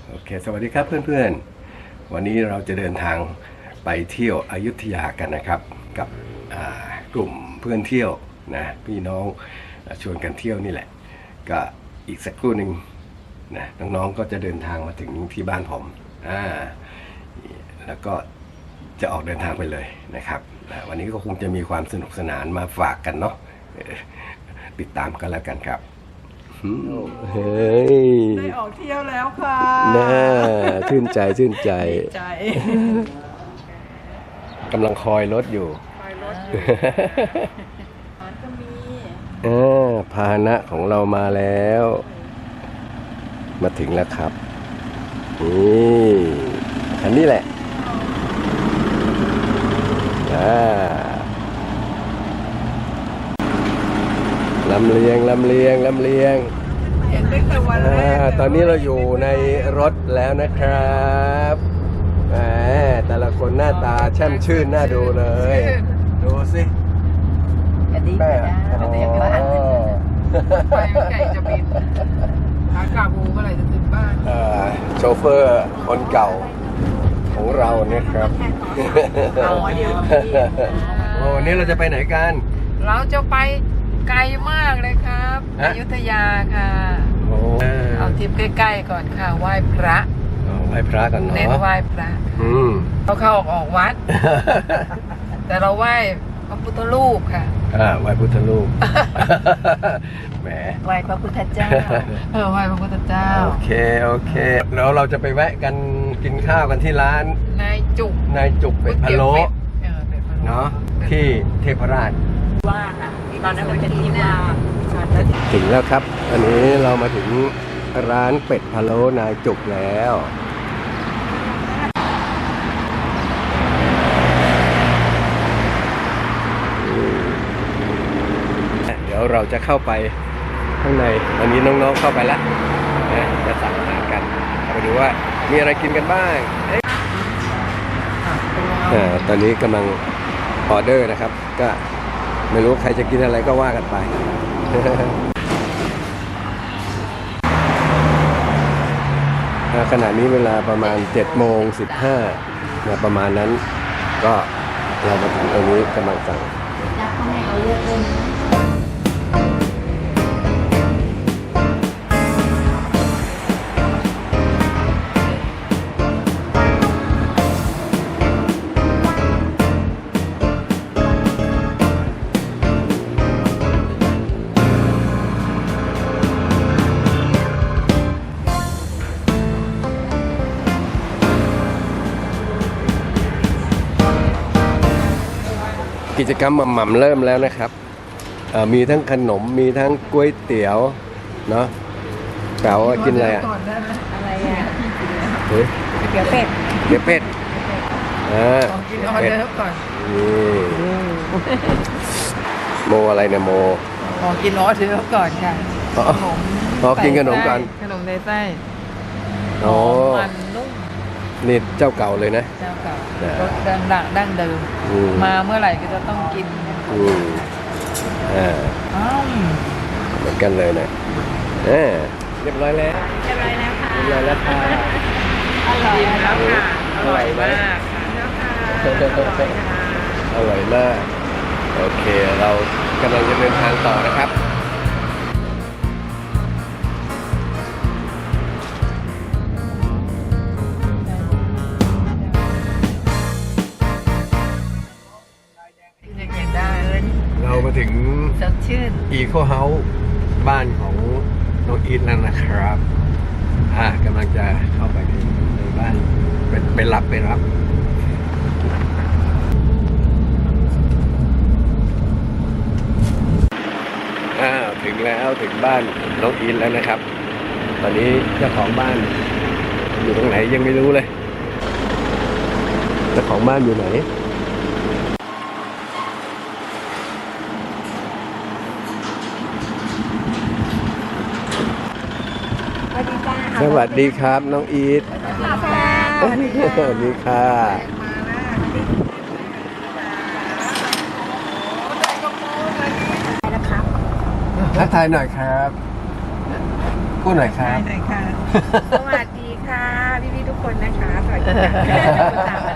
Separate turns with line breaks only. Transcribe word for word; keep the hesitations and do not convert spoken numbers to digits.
โอเคสวัสดีครับเพื่อนๆวันนี้เราจะเดินทางไปเที่ยวอยุธยากันนะครับกับกลุ่มเพื่อนเที่ยวนะพี่น้องชวนกันเที่ยวนี่แหละก็อีกสักครู่หนึ่งนะน้องๆก็จะเดินทางมาถึงที่บ้านผมอ่าแล้วก็จะออกเดินทางไปเลยนะครับวันนี้ก็คงจะมีความสนุกสนานมาฝากกันเนาะติดตามกันแล้วกันครับเฮ้ย
ได้ออกเที่ยวแล้วค่ะ
น่าชื่นใจชื่นใจ
ใจ
กำลังคอยรถอยู่
คอยรถอยู่ร้านก็มี
อ่าพาหนะของเรามาแล้วมาถึงแล้วครับนี่คันนี้แหละอ่าลำเลียงลำเลียงลำเลียง
เห็นตั้งแต่วันแรก
ตอนนี้เราอยู่ในรถแล้วนะครับแหมแต่ละคนหน้าตาแช่มชื่นน่าดูเลยดูสิ
กระดิ่งจ้ากระดิ่งบ้านไปไก่จะบินขากลับเมื่อไหร่จะถึงบ้าน
โชเฟอร์คนเก่าของเราเนี่ยครับ
เอาเดี๋ยว
โอ้วันนี้เราจะไปไหนกัน
เราจะไปไกลมากเลยครับอยุธยาค่ะเอาทริปใกล้ๆก่อนค่ะไหว้พระ
ไหว้พระกันเนาะ
เน้นไหว้พระเราเข้าออกออกวัดแต่เราไหว้พระพุทธรูปค่ะ
อ่าไหว้พุทธรูปแหม
ไหว้พระพุทธเจ้าเออไหว้พระพุทธเจ้า
โอเคโอเคแล้วเราจะไปแวะกันกินข้าวกันที่ร้าน
นายจุก
นายจุกเป็ดพะโล้เนาะที่เทพราช
ว่าค่ะตอนนั้นเราจะที่ว่า
ถึงแล้วครับอันนี้เรามาถึงร้านเป็ดพะโล้นายจุกแล้วเดี๋ยวเราจะเข้าไปข้างในตอนนี้น้องๆเข้าไปแล้วนะจะสั่งอาหารกันไปดูว่ามีอะไรกินกันบ้างอ่าตอนนี้กำลังออเดอร์นะครับก็ไม่รู้ใครจะกินอะไรก็ว่ากันไปขณะนี้เวลาประมาณเจ็ดโมงสิบห้านะประมาณนั้นก็เรามาถึงตรงนี้กำลังสั่งกิจกรรมหม่ำๆเริ่มแล้วนะครับมีทั้งขนมมีทั้งก๋วยเตี๋ยวเนาะเก๋ากินอะไรอ่ะ
อะไรอ่ะ
เฮ้ย
เตี๋ยวเป็ด
เตี๋ยวเป็ดอ่า
กินออเดอร์ก่อน
นี่โมอะไรเนี่ยโม
ขอกินออเดอร์ก่อนค่ะขนม
ขอกินขนมกัน
ขนมในไส้
อ๋อ
มันนุ่ม
นี่เจ้าเก่าเลยนะ
เจ้าเก่ารสดังดังดั้งเดิมมาเมื่อไหร่ก็จะต้องกิน
อืมอ่าเหมือนกันเลยนะอ่าเรียบร้อยแล้ว
เรียบร้อยแล้วค่ะ
เรียบร้อยแล้วค่ะ
อร่อยแล้วค่ะอร่อยมาก
อร่อยมากโอเคเรากำลังจะเดินทางต่อนะครับเรามาถึง
สดชื่น
อีโคเฮาส์บ้านของน้องอีทแล้วนะครับอ่ากำลังจะเข้าไปในบ้านเป็นไปรับไปรับอ่าถึงแล้วถึงบ้านน้องอีทแล้วนะครับตอนนี้เจ้าของบ้านอยู่ตรงไหนยังไม่รู้เลยเจ้าของบ้านอยู่ไหนสวัสดีครับน้องอีทสวัสดีค่ะทักทายหน่อยครับพูดหน่อยครับ
สวัสดีค่ะ
คนนะคะสวัสดีค่ะ